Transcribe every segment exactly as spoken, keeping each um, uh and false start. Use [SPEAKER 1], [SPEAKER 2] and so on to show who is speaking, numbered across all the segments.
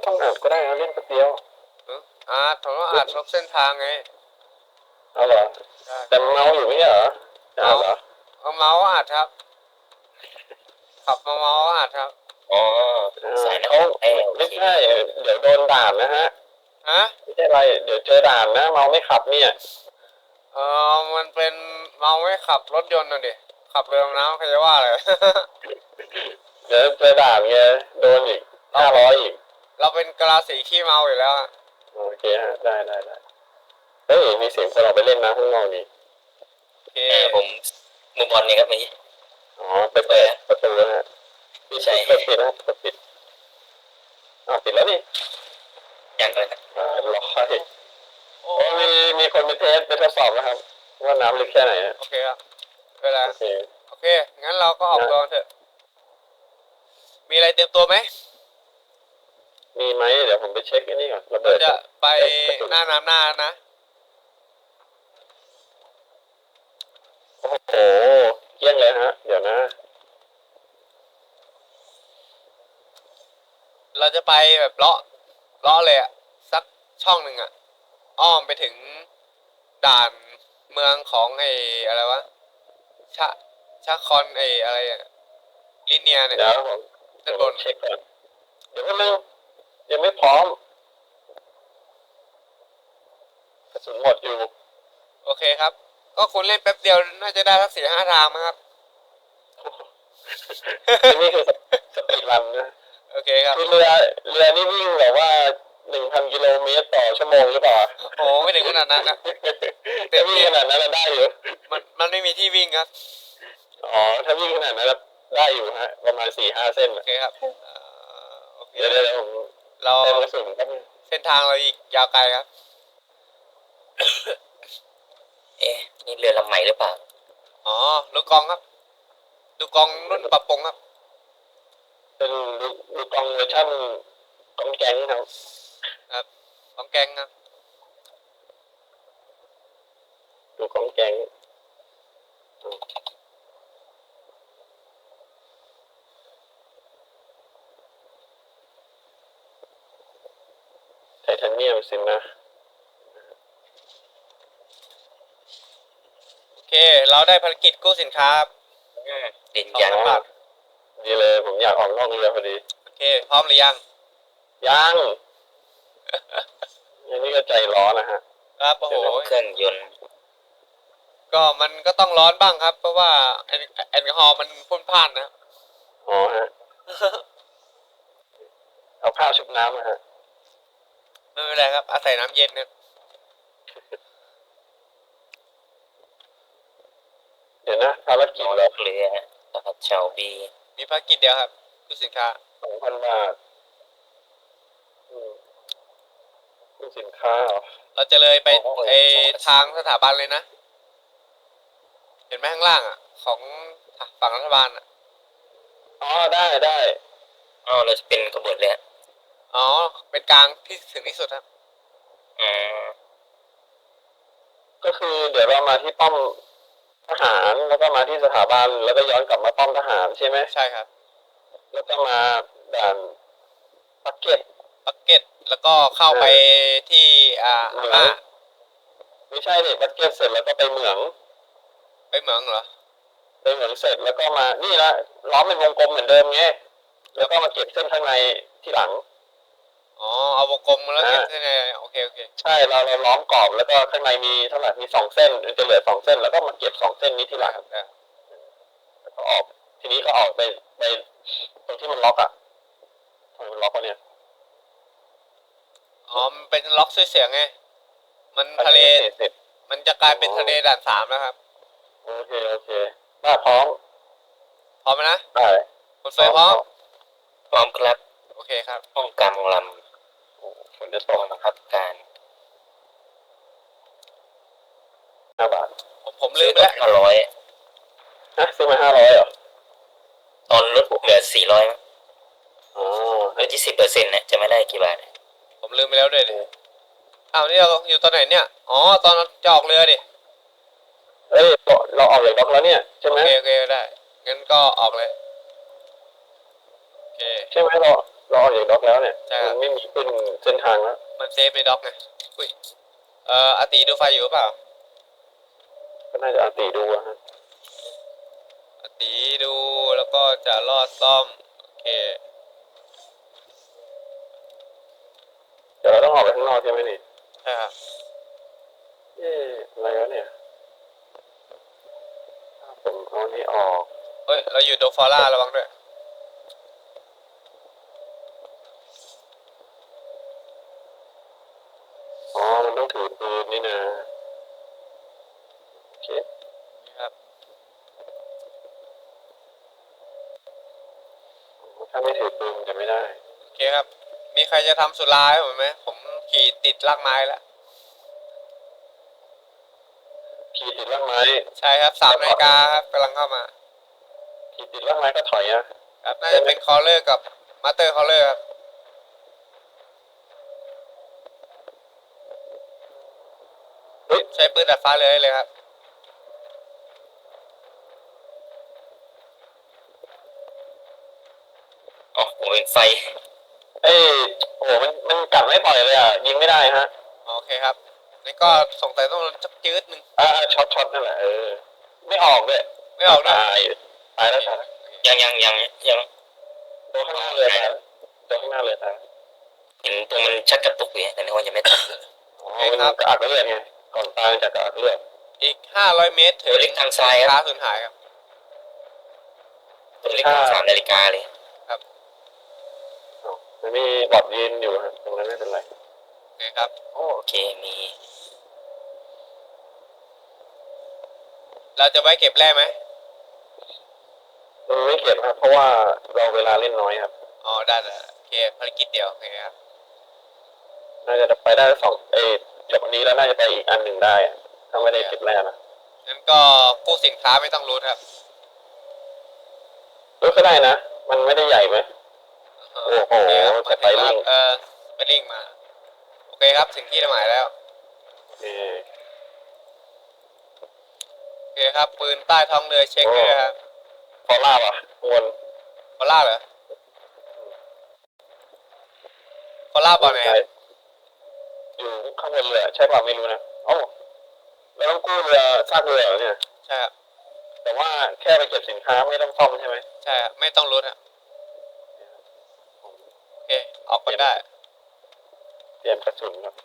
[SPEAKER 1] ต้องอ่านก็ได้นะเล่นแป๊บเดียว
[SPEAKER 2] อ่าผมต้องอ่านทุกเส้นทางไง
[SPEAKER 1] เอาเหรอแต่เมาอยู่ไม่ใช่เหรออ่านเหรอ
[SPEAKER 2] เอาเมาส์อ่านครับขับมาเมาส์อ่านครับ
[SPEAKER 3] อ๋อสายเขา
[SPEAKER 1] ไม่ใช่เดี๋ยวโดนด่านนะฮะ
[SPEAKER 2] ฮะ
[SPEAKER 1] ไม่ใช่ไรเดี๋ยวเจอด่านนะเมาไม่ขับเนี่ย
[SPEAKER 2] เออมันเป็นเมาไม่ขับรถยนต์น่ะดิขับเรือน้ำใครจะว่าเลย
[SPEAKER 1] เดี๋ยวเจอด่านไงโดนอีกห้าร้อยอีก
[SPEAKER 2] เราเป็นกะลาสีขี้เมาอยู่แล้วอะ
[SPEAKER 1] โอเคฮะได้ได้ได้เฮ้ยมีเสียงคนออกไปเล่นนะข้างนอกนี่
[SPEAKER 2] โอเค
[SPEAKER 3] ผมมุมบอลนี่ครับนี่
[SPEAKER 1] อ๋อไปเปิดประตูนะฮะ
[SPEAKER 3] ไม่ใช่
[SPEAKER 1] เปิดปิดนะเปิดปิดอ้าวปิดแล้วนี่
[SPEAKER 3] ยังเลยครับ
[SPEAKER 1] อ่ารอให้โอ้มีมีคนไปเทสไปทดสอบนะครับว่าน้ำลึกแค่ไหน
[SPEAKER 2] โอเคครับเวลา
[SPEAKER 1] โอเค
[SPEAKER 2] โอเคงั้นเราก็ออกตัวเถอะมีอะไรเตรียมตัวไหม
[SPEAKER 1] มีไหมเดี๋ยวผมไปเช็คอันนี้ก่อนระเบิด
[SPEAKER 2] จะไปหน้าน้ำหน้านะ
[SPEAKER 1] โอ้โหเยี่ยงเลยฮะเดี๋ยวนะ
[SPEAKER 2] เราจะไปแบบเลาะเลาะเลยอะสักช่องหนึ่งอะอ้อมไปถึงด่านเมืองของไอ้อะไรวะชะชะคอนไอ้อะไรลิเนียเนี่ย
[SPEAKER 1] เดี๋ยวผม
[SPEAKER 2] ด้านบน
[SPEAKER 1] เช็คก่อนเดี๋ยวก็นึงยังไม่พร้อมกระสุนหมดอยู่
[SPEAKER 2] โอเคครับก็คุณเล่นแป๊บเดียวน่าจะได้สักสี่ห้าทางมั้งครับ
[SPEAKER 1] นี่คือสปีดรันนะ
[SPEAKER 2] โอเคครับ
[SPEAKER 1] คือเรือเรือนี่วิ่งแบบว่าหนึ่งพันกิโลเมตรต่อชั่วโมงหรือเปล่า
[SPEAKER 2] โอ้ไม่ถึงขนาดนั้นนะ
[SPEAKER 1] แต่วิ่งขนาดนั้นได้อยู่
[SPEAKER 2] มันมันไม่มีที่วิ่งครับ
[SPEAKER 1] อ๋อถ้าวิ่งขนาดนั้นได้อยู่ฮะประมาณสี่ห้าเส้น
[SPEAKER 2] โอเคครับ
[SPEAKER 1] เดี๋ยวเดี๋ยวผม
[SPEAKER 2] เรา
[SPEAKER 1] เต็มกระสุนครับ
[SPEAKER 2] เส้นทางเราอีกยาวไกลครับ
[SPEAKER 3] เอ๊ะนี่เรือลำใหม่หรือเปล่า
[SPEAKER 2] อ๋อลูกกองครับลูกกองรุ่นปรับปรุงครับ
[SPEAKER 1] เป็นลูกกองเวอร์ชันกองแก๊งครับ
[SPEAKER 2] ครับกองแกงครับ
[SPEAKER 1] ลูกกองแก๊งไทเทเนียมสินะ
[SPEAKER 2] โอเคเราได้ภารกิจกู้สินค้า
[SPEAKER 3] ดินยัน
[SPEAKER 2] บาท
[SPEAKER 1] ดีเลยผมอยากออกนอกเรือพอดี
[SPEAKER 2] โอเคพร้อมหรือยัง
[SPEAKER 1] ยังอันนี้ก็ใจร้อนนะฮะ
[SPEAKER 2] ครับโอ้โห
[SPEAKER 3] เครื่องยนต์
[SPEAKER 2] ก็มันก็ต้องร้อนบ้างครับเพราะว่าแอลกอฮอล์มันพ่นพ่านนะ
[SPEAKER 1] อ๋อฮะเอาผ้าชุบน้ำนะฮะ
[SPEAKER 2] ไม่เป็นไรครับอาศัยน้ำเย็นเนี่ย
[SPEAKER 1] เดี๋ยวนะภารกิจเรา
[SPEAKER 3] เรือตลาดชาวบี
[SPEAKER 2] มีภารกิจเดียวครับคือสินค้า
[SPEAKER 1] สองพันบาทคือสินค้า
[SPEAKER 2] เราจะเลยไปไอทางสถาบันเลยนะเห็นไหมข้างล่างอ่ะของฝั่งรัฐบาลอ่ะ
[SPEAKER 1] อ๋อได้ได้
[SPEAKER 3] อ๋อเราจะเป็นขบวนเลย
[SPEAKER 2] อ๋อเป็นกลางที่ถึงที่สุดครับ
[SPEAKER 3] อืม
[SPEAKER 1] ก็คือเดี๋ยวเรามาที่ป้อมทหารแล้วก็มาที่สถาบันแล้วก็ย้อนกลับมาป้อมทหารใช่ไหม
[SPEAKER 2] ใช่ครับ
[SPEAKER 1] แล้วก็มาด่านปักเก็ต
[SPEAKER 2] ปักเก็ตแล้วก็เข้าไปที่อ่าอ่า
[SPEAKER 1] ไม่ใช่เนี่ยปักเก็ตเสร็จแล้วก็ไปเหมือง
[SPEAKER 2] ไปเหมืองเหรอ
[SPEAKER 1] ไปเหมืองเสร็จแล้วก็มานี่ละล้อมเป็นวงกลมเหมือนเดิมไงแล้วก็มาเก็บเส้นข้างในที่หลัง
[SPEAKER 2] อ๋อเอาวงกลมแล้วเก็บเส้นในโอเคโอเค
[SPEAKER 1] ใช่เราเราล้อมกรอบแล้วก็ข้างในมีเท่าไหร่มีสองเส้นจะเหลือสองเส้นแล้วก็มาเก็บสองเส้นนี้ที่หลังแล้วก็ออกทีนี้ก็ออกไปไปตรงที่มันล็อกอ่ะทำไมมันล็อกวะเนี่ย
[SPEAKER 2] อ๋อมันเป็นล็อกเสียงไงมันทะเลมันจะกลายเป็นทะเลด่านสามแล้วครับ
[SPEAKER 1] โอเคโอเคมาพร้อม
[SPEAKER 2] พร้อมไหมนะ
[SPEAKER 1] ได้
[SPEAKER 2] คนไฟพร้อม
[SPEAKER 3] พร้อมครับ
[SPEAKER 2] โอเคครับ
[SPEAKER 3] ป้องกันลำ
[SPEAKER 1] ฝนจะตก
[SPEAKER 3] นะครับการ
[SPEAKER 1] ห้าบาท
[SPEAKER 2] ผมผมลืมแล้ว
[SPEAKER 3] ห้าร้อย
[SPEAKER 1] ฮะซื้อมาห้าร้อยเหรอ
[SPEAKER 3] ตอนลดเหลือสี่ร้อย
[SPEAKER 1] อ๋อ
[SPEAKER 3] ลดยี่สิบเปอร์เซ็นต์เนี่ยจะไม่ได้กี่บาท
[SPEAKER 2] ผมลืมไปแล้วด้วยดิอ้าวนี่เราอยู่ตอนไหนเนี่ยอ๋อตอนจะออกเรือดิ
[SPEAKER 1] เอ้ยเราออกจากบล็อกแล้วเนี่ยใช่ไหม
[SPEAKER 2] โอเคโอเคได้งั้นก็ออกเลยโอเค
[SPEAKER 1] ใช่ไหมเราเราออกจากด็อกแล้วเนี่ย
[SPEAKER 2] ใช่ครับ
[SPEAKER 1] มันไม่มีขึ้นเส้นทางแล้ว
[SPEAKER 2] มันเซฟในด็อกไงอุ้ยเอ่ออาติดูไฟอยู่หรือเปล่า
[SPEAKER 1] ก็น่าจะอาติดูอะฮะ
[SPEAKER 2] อาติดูแล้วก็จะลอดซ่อมโอเค
[SPEAKER 1] เดี๋ยวเราต้องออกไปข้างนอกใช่ไหมนี่
[SPEAKER 2] ใช่ครับ
[SPEAKER 1] เอ๊ะอะไรวะเนี่ยถ้าผมเอาอันนี้ออก
[SPEAKER 2] เฮ้ยเราอยู่โดฟอร่าระวังด้วย
[SPEAKER 1] อ๋อมันต้องถือปืนนี่นะโอเค
[SPEAKER 2] ครับ
[SPEAKER 1] ถ้าไม่ถือปืนมันจะไม่ได้
[SPEAKER 2] โอเคครับ มีใครจะทำสุราให้ผมไหมผมขี่ติดลากไม้แล้ว
[SPEAKER 1] ขี่ติดล่างไม้
[SPEAKER 2] ใช่ครับสามนาฬิกาครับกำลังเข้ามา
[SPEAKER 1] ขี่ติดล่างไม้ก็ถอยนะครับ
[SPEAKER 2] น่าจะเป็นคอลเลอร์กับมาสเตอร์คอลเลอร์ครับ
[SPEAKER 1] เฮ้ย
[SPEAKER 2] ใช้ปืนดัดฟ้าเลยเลยครับ
[SPEAKER 3] อ๋อผมเป็นไฟ
[SPEAKER 1] เอ้ยโอ้โหมันมันกัดไม่ปล่อยเลยอ่ะยิงไม่ได้ฮะ
[SPEAKER 2] โอเคครับนี่ก็สงสัยต้องจักจืดหนึ่ง
[SPEAKER 1] อ่าช็อตช็อตนั่นแหละเออไม่ออกด้วย
[SPEAKER 2] ไม่ออกด้วย
[SPEAKER 1] ตายตายแล้วตายแล้ว
[SPEAKER 3] ยังยังยังยัง
[SPEAKER 1] ตัวข้างหน้าเลยตายแล้วตัวข้างหน้าเลยตายแล้ว
[SPEAKER 3] เห็นตัวมันชักกระตุกอยู่แต่นึกว่ายังไม่ตาย
[SPEAKER 1] อ๋อมันกระอักเลือดไงก่อนตายจากกระอักเลือด
[SPEAKER 2] อีกห้าร้อยเมตรถึ
[SPEAKER 3] ตัว
[SPEAKER 2] ง
[SPEAKER 3] เล็กทางซ้ายค
[SPEAKER 2] ค้า
[SPEAKER 3] รับ
[SPEAKER 2] สูญหายครับ
[SPEAKER 3] ตัวเล็กทางสามนาฬิกาเลย
[SPEAKER 1] อ๋อมันมีบอดยืนอยู่ฮะตรงนั้นไม่เป็นไร
[SPEAKER 2] โอเคครับ
[SPEAKER 3] โอเคมี
[SPEAKER 2] เราจะไว้เก็บแร่ไหม
[SPEAKER 1] มันไม่เก็บครับเพราะว่าเราเวลาเล่นน้อยครับ
[SPEAKER 2] อ๋อได้ได้โอเคภารกิจเดียวโอเคครับ
[SPEAKER 1] น่าจะไปได้สองเอยจบอันนี้แล้วน่าจะไปอีกอันหนึ่งได้อะถ้าไม่ได้เก็บแรกนะ
[SPEAKER 2] งั้นก็กู้สินค้าไม่ต้องรู้ครับ
[SPEAKER 1] รู้ก็ได้นะ มันไม่ได้ใหญ่ไหม
[SPEAKER 2] เออ
[SPEAKER 1] โอ้โห
[SPEAKER 2] โอเคครับ
[SPEAKER 1] สไปริ่ง
[SPEAKER 2] เออสไปริ่งมาโอเคครับถึงที่หมายแล้ว
[SPEAKER 1] เออ
[SPEAKER 2] โอเคครับปืนใต้ท้องเรือเช็คด้วยนะครับ
[SPEAKER 1] พอลาบอ่ะวน
[SPEAKER 2] ฟอล่าเหรอฟอล่าบอลไหนครับ
[SPEAKER 1] อยู่ข้างบนเรือใช่ป่ะไม่รู้นะเอ้าเราต้องกู้เรือซากเรือเหรอเนี่ย
[SPEAKER 2] ใช่ครับ
[SPEAKER 1] แต่ว่าแค่ไปเก็บสินค้าไม่ต้องซ่อมใช่ไหม
[SPEAKER 2] ใช่ครับไม่ต้องรู้ครับโอเคออกกันได้
[SPEAKER 1] เตรียมกระสุนครับ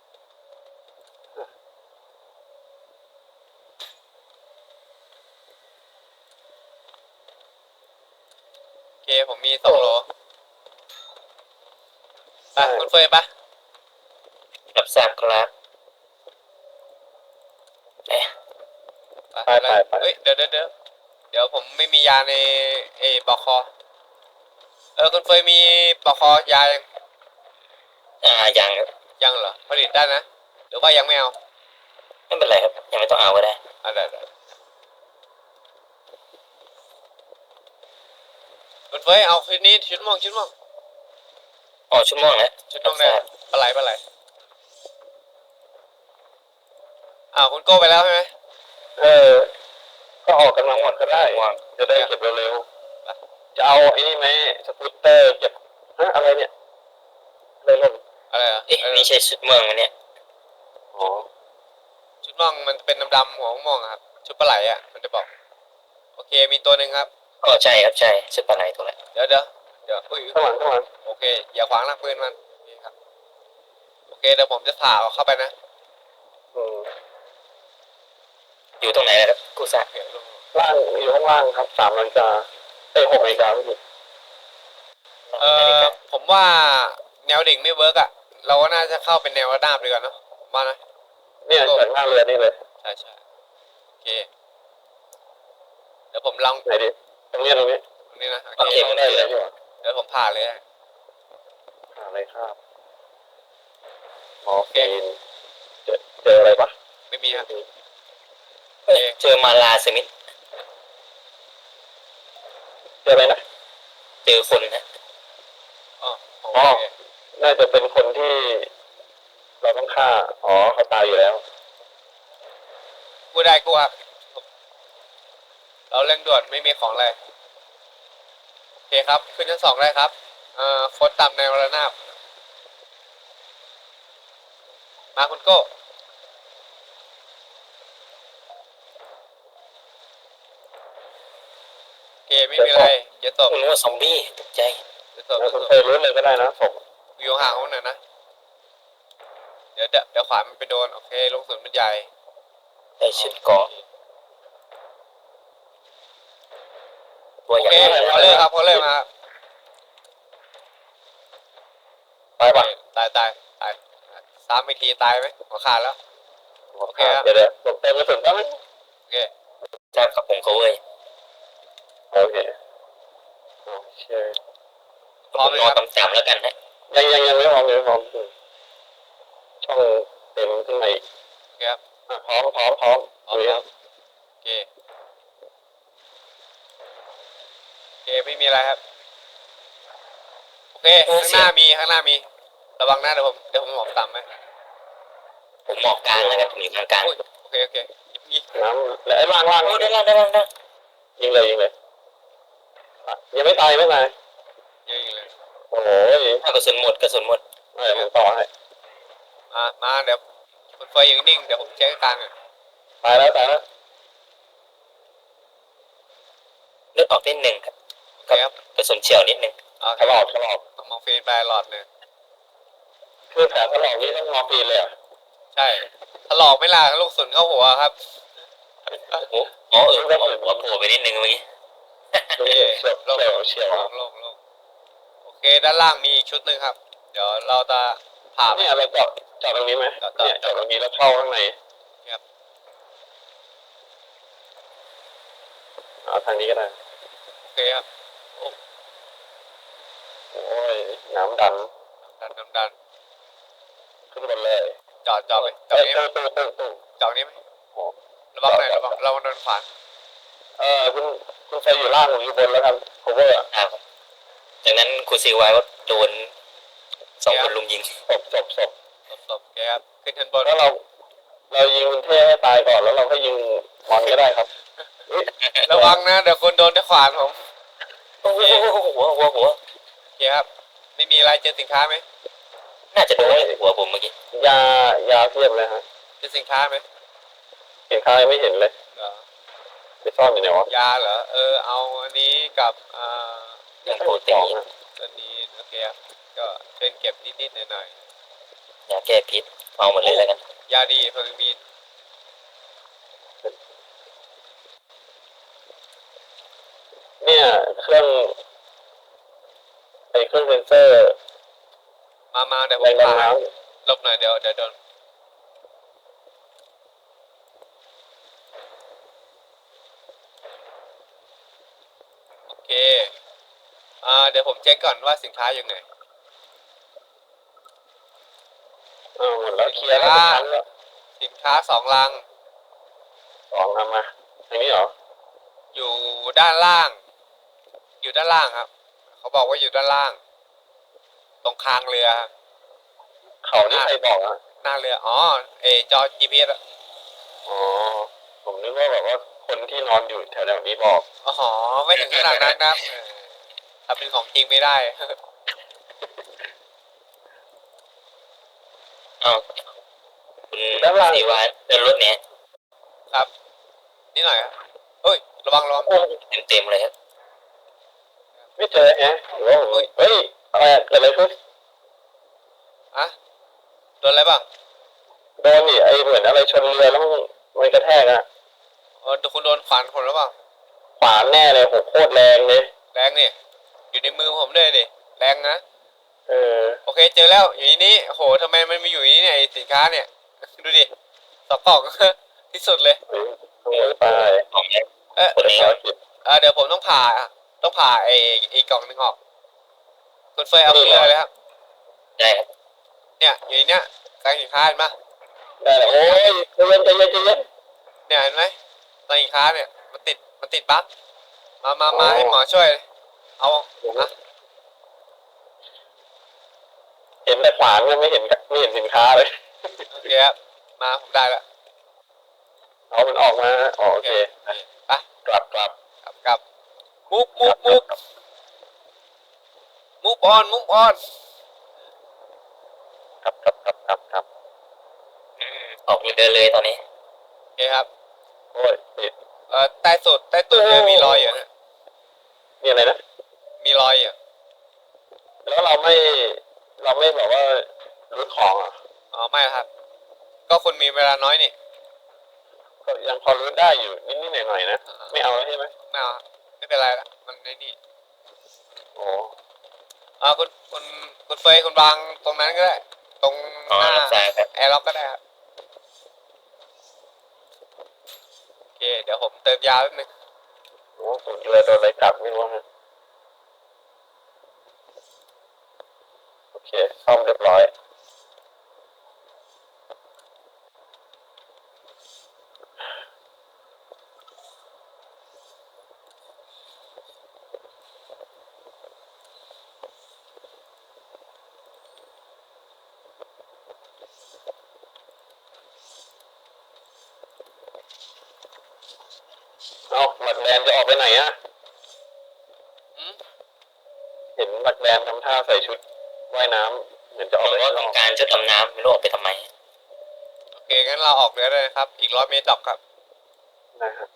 [SPEAKER 2] โอเคผมมีสองโหลไปคุณเฟยปะ
[SPEAKER 3] รับทราบครับเอ๊ะ
[SPEAKER 1] ไปไปไป
[SPEAKER 2] เฮ้ยเดี๋ยวเดี๋ยวเดี๋ยวเดี๋ยวผมไม่มียาในเอปอกคอเออคุณเฟยมีปอกคอยายัง
[SPEAKER 3] อ่ายังครับ
[SPEAKER 2] ยังเหรอผลิตได้นะหรือว่ายังไม่เอา
[SPEAKER 3] ไม่เป็นไรครับยังไม่ต้องเอาก็ได้
[SPEAKER 2] อ่ะได้ได้คุณเฟยเอาคืนนี้ชุดม่วงชุดม่วง
[SPEAKER 3] อ๋อชั่วโมงแล้ว
[SPEAKER 2] ชุดม่วงได้ปลาไหลปลาไหลอ้าวคุณโก้ไปแล้วใช่ไหม
[SPEAKER 1] เออ ก็ออกกำลังหมดก็ได้
[SPEAKER 3] ว่าง
[SPEAKER 1] จะได้เก็บเร็วๆจะเอาไอ้นี่ไหมสกูตเตอร์เก็บฮะอะไรเนี่ยอะไรล่น
[SPEAKER 2] อะไรอ่ะ
[SPEAKER 3] เอ๊ะนี่ใช่ชุดเมืองมันเนี่ย
[SPEAKER 1] อ๋อ
[SPEAKER 2] ชุดม่วงมันเป็นดำๆหัวม่วงๆอะครับชุดปลาไหลอ่ะมันจะบอกโอเคมีตัวหนึ่งครับ
[SPEAKER 3] อ๋อใช่ครับใช่ชุดปลาไหลตัวแหละ
[SPEAKER 2] เดี๋ยวเดี๋ยวเดี๋ยวอุ้ย
[SPEAKER 1] ข้างหลังข้างหลัง
[SPEAKER 2] โอเคอย่าขวางหน้าปืนมันนี่ครับโอเคเดี๋ยวผมจะผ่าเอาเข้าไปนะ
[SPEAKER 1] อืม
[SPEAKER 3] อยู่ตรงไหนนะครับกูซ่า
[SPEAKER 2] โอเคลง
[SPEAKER 1] ล่างอยู่ข้างล่างครับสามนาฬิกาเอ้ยหกนาฬิกาไม่ผิด
[SPEAKER 2] เออผมว่าแนวดิ่งไม่เวิร์กอ่ะเราก็น่าจะเข้าเป็นแนวระนาบดีกว่าเนอะผมว่านะ
[SPEAKER 1] เนี่ยจากหน้าเรือนี่เลย
[SPEAKER 2] ใช่ใช่โอเคเดี๋ยวผมลอง
[SPEAKER 1] ไหนดิตรงนี้ตรงนี้
[SPEAKER 2] ตรงนี้นะโอ
[SPEAKER 3] โอ
[SPEAKER 2] เค
[SPEAKER 3] เคไม่ได้เลย
[SPEAKER 1] ดีกว่า
[SPEAKER 2] เดี๋ยวผมผ่าเลยนะ
[SPEAKER 1] หาอะไรครับมอร์ฟีนเจอเจออะไรปะ
[SPEAKER 2] ไม่มีครับ
[SPEAKER 3] เอ้ยเจอมาลาสมิธ
[SPEAKER 1] เจออะไรนะ
[SPEAKER 3] เจอคนนะ
[SPEAKER 2] อ๋อโอ
[SPEAKER 1] อ๋อ
[SPEAKER 2] เค
[SPEAKER 1] น่าจะเป็นคนที่ เราต้องฆ่าอ๋อเขาตายอยู่แล้ว
[SPEAKER 2] กูได้กูครับเราเร่งด่วนไม่มีของอะไรโอเคครับขึ้นชั้นสองได้ครับเอ่อคนต่ำในระนาบมาคุณโก้โอเคไม่มีอะไรเดี๋ยวตบ
[SPEAKER 3] ผมนึกว่าซอมบี้ตกใจ
[SPEAKER 2] เดี๋ยวตบ
[SPEAKER 1] แล้ว
[SPEAKER 2] เดี๋ยว
[SPEAKER 1] คุณ
[SPEAKER 2] ตบ
[SPEAKER 1] เคยรู้เลยก็ได้นะศพ
[SPEAKER 2] วิวห่างเขาหน่อยนะเดี๋ยวเดี๋ยวเดี๋ยวขวามันไปโดนโอเคลงสุนมันใหญ่
[SPEAKER 3] ได้ชุดเกราะตัว
[SPEAKER 2] โอ
[SPEAKER 3] ใหญ่
[SPEAKER 2] เคเขาเลยครับเขาเลยมา
[SPEAKER 1] ตายปะ
[SPEAKER 2] ตายตายตายสามอีกทีตายไหมหัวขาดแล้ว โอเคครับ
[SPEAKER 1] เดี๋ยวเดี๋ยวศพเต็มกระสุนได้ไหม
[SPEAKER 2] โอเค
[SPEAKER 3] ใช่ครับผมเขาเว้ย
[SPEAKER 1] โอเคโอเค
[SPEAKER 2] พร้อม
[SPEAKER 3] ผม
[SPEAKER 2] ไหม
[SPEAKER 3] นอน
[SPEAKER 2] ครับ
[SPEAKER 3] ต่ำๆแล้วกันฮะ
[SPEAKER 1] ยังยังยังไม่พร้อมยังไม่พร้อมช่องเต็มข้างใน
[SPEAKER 2] โอเคครับ
[SPEAKER 1] อ่ะพร้อมพร้อมพร้อม
[SPEAKER 2] พร้อมครับโอเคโอเคไม่มีอะไรครับโอเคข้างหน้ามีข้างหน้ามีระวังนะเดี๋ยวผมเดี๋ยวผมหมอบต่ำไหม
[SPEAKER 3] ผมหมอบกลางแล้วกันผมอยู่กลางกลาง
[SPEAKER 2] อุ้ยโอเคโอเคยิง
[SPEAKER 1] น้ำและไอ้ล่างล่าง
[SPEAKER 3] โอ้ได้แล้วได้แล้วได้
[SPEAKER 1] ยิงเลยยิงเลยอ่ะยังไม่ตายไม่ตาย
[SPEAKER 2] ยิงยิงเลย
[SPEAKER 1] โอ้ย
[SPEAKER 3] ถ้ากระสุนหมดกระสุนหมด
[SPEAKER 1] ไม่ผมต่อให้
[SPEAKER 2] มามาเดี๋ยวคุณเฟยยังนิ่งเดี๋ยวผมเช็คกลางอ่ะ
[SPEAKER 1] ตายแล้วตายแล้ว
[SPEAKER 3] เลือดออกนิดหนึ่งครับ
[SPEAKER 2] โอเคครับ
[SPEAKER 3] กระสุนเฉียวนิดหนึ่ง
[SPEAKER 2] โอเค
[SPEAKER 1] ถลอกถลอก
[SPEAKER 2] มองฟีนไปหลอดหนึ่ง
[SPEAKER 1] คือแผลถลอกนี่ต้องมอร์ฟีนเลยเหรอ่ะ
[SPEAKER 2] ใช่ถลอกไม่ล่ะลูกศุนเข้าหัวครับ
[SPEAKER 3] โอ้อ๋อเออหัวหัวโผล่ไปนิดนึงเมื่อกี้
[SPEAKER 1] ดูเฉียวเฉียวเฉียว
[SPEAKER 2] ลงลงลงโอเคด้านล่างมีอีกชุดหนึ่งครับ เดี๋ยวเราจะผ่าไป
[SPEAKER 1] เนี่ยเราเจาะเจาะตรงนี้ไหม
[SPEAKER 2] เจาะเจาะ
[SPEAKER 1] เนี่ยเจาะตรงนี้แล้วเข้าข้างใน
[SPEAKER 2] ครับ
[SPEAKER 1] เอาทางนี้ก็ได้
[SPEAKER 2] โอเคครับ
[SPEAKER 1] โอ้ยน้ำดัน
[SPEAKER 2] ดันดันดัน
[SPEAKER 1] ขึ้นบนเลย
[SPEAKER 2] จอดจอดไปจอ
[SPEAKER 1] เอ้
[SPEAKER 2] ด
[SPEAKER 1] ย
[SPEAKER 2] นี้ไหม
[SPEAKER 1] ตู้ตู้ตู้ตู้
[SPEAKER 2] จอดนี้ไหม
[SPEAKER 1] โอ้
[SPEAKER 2] ระวังหน่อยระวังระวังโดนขวาน
[SPEAKER 1] เออคุณคุณไฟอยู่ล่างผมอยู่บนแล้วครับ cover อ่ะ
[SPEAKER 3] อ่าครับจากนั้นครูซีไว้ว่าโดนสองคนลุมยิง
[SPEAKER 1] ศพศพศพ
[SPEAKER 2] ศพศพโอเคครับขึ้นชั้นบน
[SPEAKER 1] แล้วเรา เรายิงคุณเท่ให้ตายก่อนแล้วเราก็ยิงมอนก็ได้ครับอุ๊ย
[SPEAKER 2] ระวังนะเดี๋ยวคนโดนด้วยขวานผม
[SPEAKER 3] โอ้โหหัวหัวหัว
[SPEAKER 2] โอเคครับไม่มีอะไรเจอสินค้าไหม
[SPEAKER 3] น่าจะโดนหัวผมเมื่อกี้
[SPEAKER 1] ยายาเพียบเลยฮะ
[SPEAKER 2] เจอสินค้าไหม
[SPEAKER 1] เห็นข้างยังไม่เห็นเลย
[SPEAKER 2] เหรอ
[SPEAKER 1] ไปซ่อนอยู่ไหนวะ
[SPEAKER 2] ยาเหรอเออเอาอันนี้กับอ่า
[SPEAKER 3] เรื่องโปรตี
[SPEAKER 1] สอง
[SPEAKER 3] น
[SPEAKER 1] อะ
[SPEAKER 2] ตัวนี้โอเคครับก็ช่วยเก็บนิดๆหน่อย
[SPEAKER 3] ยาแก้พิษเอาหมดเลยแล้วกัน
[SPEAKER 2] ๆยาดีเพิ่งมี
[SPEAKER 1] เนี่ยเครื่องไอเครื่องเซนเซอร์
[SPEAKER 2] มามาเดี๋ยวผ
[SPEAKER 1] แร
[SPEAKER 2] ม
[SPEAKER 1] งดัน
[SPEAKER 2] พา
[SPEAKER 1] น้
[SPEAKER 2] ลบหน่อยเดี๋ยวเดี๋ยวโดนโอเคอ่าเดี๋ยวผมเช็คก่อนว่าสินค้าอยู่ไหน
[SPEAKER 1] ำอ้าวหมดแล้วเคลียร์แล้วทุกครั้งแล้ว
[SPEAKER 2] สินค้าสองลัง
[SPEAKER 1] สองทำมาทางนี้เหรอ
[SPEAKER 2] อยู่ด้านล่าง อยู่ด้านล่างครับ เขาบอกว่าอยู่ด้านล่าง ตรงคางเรือครับ
[SPEAKER 1] เขานี่ใครบอกอ่ะ
[SPEAKER 2] หน้าเรืออ๋อเออจอ จี พี เอส อะ
[SPEAKER 1] อ๋อผมนึกว่าแบบว่าคนที่นอนอยู่แถวๆนี้บอก
[SPEAKER 2] อ๋อไม่ถึงขนาดนั้นนะครับเออถ้าเป็นของจริงไม่ได้
[SPEAKER 3] อ้าวคุณซีไว้เดินรถเนี้ย
[SPEAKER 2] ครับนิดหน่อยครับเฮ้ยระวังระวัง
[SPEAKER 1] โอ้ย
[SPEAKER 3] เต็มเต็มๆเลยครับ
[SPEAKER 1] ไม่เจอแฮะหรือว่าผมเฮ้ยอะไรอะเกิดอะไรขึ้น
[SPEAKER 2] อะโดนอะไรบ้าง
[SPEAKER 1] โดนนี่ไอเหมือนอะไรชนเรือแล้วมันมันกระแทกอะ
[SPEAKER 2] เออคุณโดนขวานคนหรือเปล่า
[SPEAKER 1] ขวานแน่เลยโหโคตรแรงเลย
[SPEAKER 2] แรงนี่อยู่ในมือผมด้วยดิแรงนะ
[SPEAKER 1] เออ
[SPEAKER 2] โอเคเจอแล้วอยู่ในนี้โหทำไมมันมีอยู่ในนี้เนี่ยไอ้สินค้าเนี่ย ดูดิสอกกล่อง ที่สุดเลย
[SPEAKER 1] เฮ้ยขโมยไป
[SPEAKER 3] ของเนี่ย
[SPEAKER 2] เอ๊ะ
[SPEAKER 3] คนนี้
[SPEAKER 1] ภารกิจ
[SPEAKER 2] เออเดี๋ยวผมต้องผ่าต้องผ่าไอ้ไอ้กล่องหนึงออกคุณเฟยเอาขึ้นเลยเลยครับ
[SPEAKER 3] ได้ครับ
[SPEAKER 2] เนี่ยอยู่ในเนี้ยกลางสินค้าเห็นปะ
[SPEAKER 1] ได้เลยโอ้ยใจเย็นใจเย็นใจเย็น
[SPEAKER 2] เนี่ยเห็นไหมกลางสินค้าเนี่ยมันติดมันติดบั๊กมามามาให้หมอช่วย เอาอะ
[SPEAKER 1] เห็นแต่ขวานก็ไม่เห็นไม่เห็นสินค้าเลย
[SPEAKER 2] โอเคครับมาผมได้แล้ว
[SPEAKER 1] เอามันออกมาอ๋อโอเค
[SPEAKER 2] ไป
[SPEAKER 1] กลับกลับ
[SPEAKER 2] กลับกลับมุกมุกมุกมุกออนมุกออน
[SPEAKER 1] ครับครับครับครับครับ
[SPEAKER 3] อืมออกเรือเลยตอนนี้
[SPEAKER 2] โอเคครับ
[SPEAKER 1] โอ้ยติด
[SPEAKER 2] เอ่อใต้สุดใต้ตุดเรือมีรอยอยู่ฮะ
[SPEAKER 1] นี่อะไรนะ
[SPEAKER 2] มีรอยอยู่
[SPEAKER 1] แล้วเราไม่เราไม่แบบว่ารื้อของอ่ะ
[SPEAKER 2] อ๋อไม่ครับ ก็คุณมีเวลาน้อยนี่
[SPEAKER 1] ก็ยังพอรื้อได้อยู่นิดๆหน่อยๆนะไม่เอาแล้วใช่ไหม
[SPEAKER 2] ไม่เอาครับไม่เป็นไรละมันในนี่
[SPEAKER 1] โอ้
[SPEAKER 2] อ่าคุณคุณคุณเฟยคุณวางตรงนั้นก็ได้ ตรง
[SPEAKER 3] อ๋อ
[SPEAKER 2] หน้า
[SPEAKER 3] รับทราบครับ
[SPEAKER 2] แอร์ล็อกก็ได้ครับโอเคเดี๋ยวผมเติมยาแป๊บนึง
[SPEAKER 1] โหสุดเลยโดนอะไรกัดไม่รู้ฮะโอเคซ่อมเรียบร้อยเอาหมักแดนจะออกไปไหนอะ
[SPEAKER 2] อืม
[SPEAKER 1] เห็นหมักแดนทำท่าใส่ชุดว่ายน้ำเหมือนจะออก
[SPEAKER 3] ผม
[SPEAKER 1] ไป
[SPEAKER 3] ว่า
[SPEAKER 1] ข้างน
[SPEAKER 3] ต้อ
[SPEAKER 1] อง ก
[SPEAKER 3] การชุดดำน้ำไม่รู้ออกไปทำไม
[SPEAKER 2] โอเคงั้นเราออกเรือเลยนะครับ อีกร้อยเมตรดอกครับ
[SPEAKER 1] นะครับ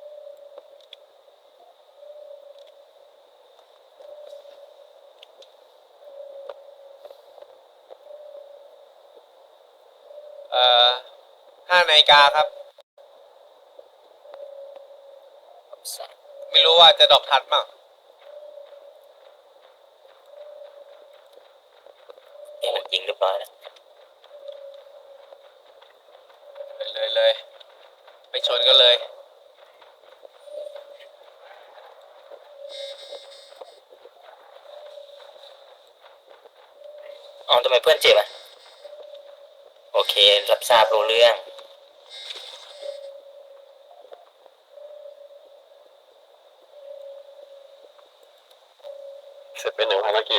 [SPEAKER 2] เอ่อห้านาฬิกาครับ ไม่รู้ว่าจะดอกทันมั้ง
[SPEAKER 3] นี่มันยิงเรียบร้อยแล้ว
[SPEAKER 2] เลยเลยเลยไม่ชนกันเลย
[SPEAKER 3] อ๋อทำไมเพื่อนเจ็บอ่ะโอเครับทราบรู้เรื่อง
[SPEAKER 1] เสร็จเป็นหนึ่งภารกิจ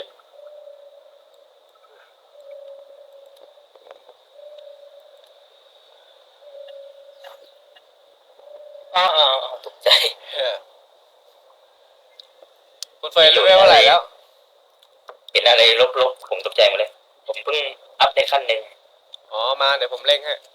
[SPEAKER 3] อ๋ออ๋ออ๋อตกใจ
[SPEAKER 2] เออคุณเฟยรู้ไหมว่าอะไรแล้ว
[SPEAKER 3] เห็นอะไรลบๆผมตกใจหมดเลย ผมเพิ่งอัพได้ขั้นหนึ่ง
[SPEAKER 2] อ๋อมาเดี๋ยวผมเร่งให้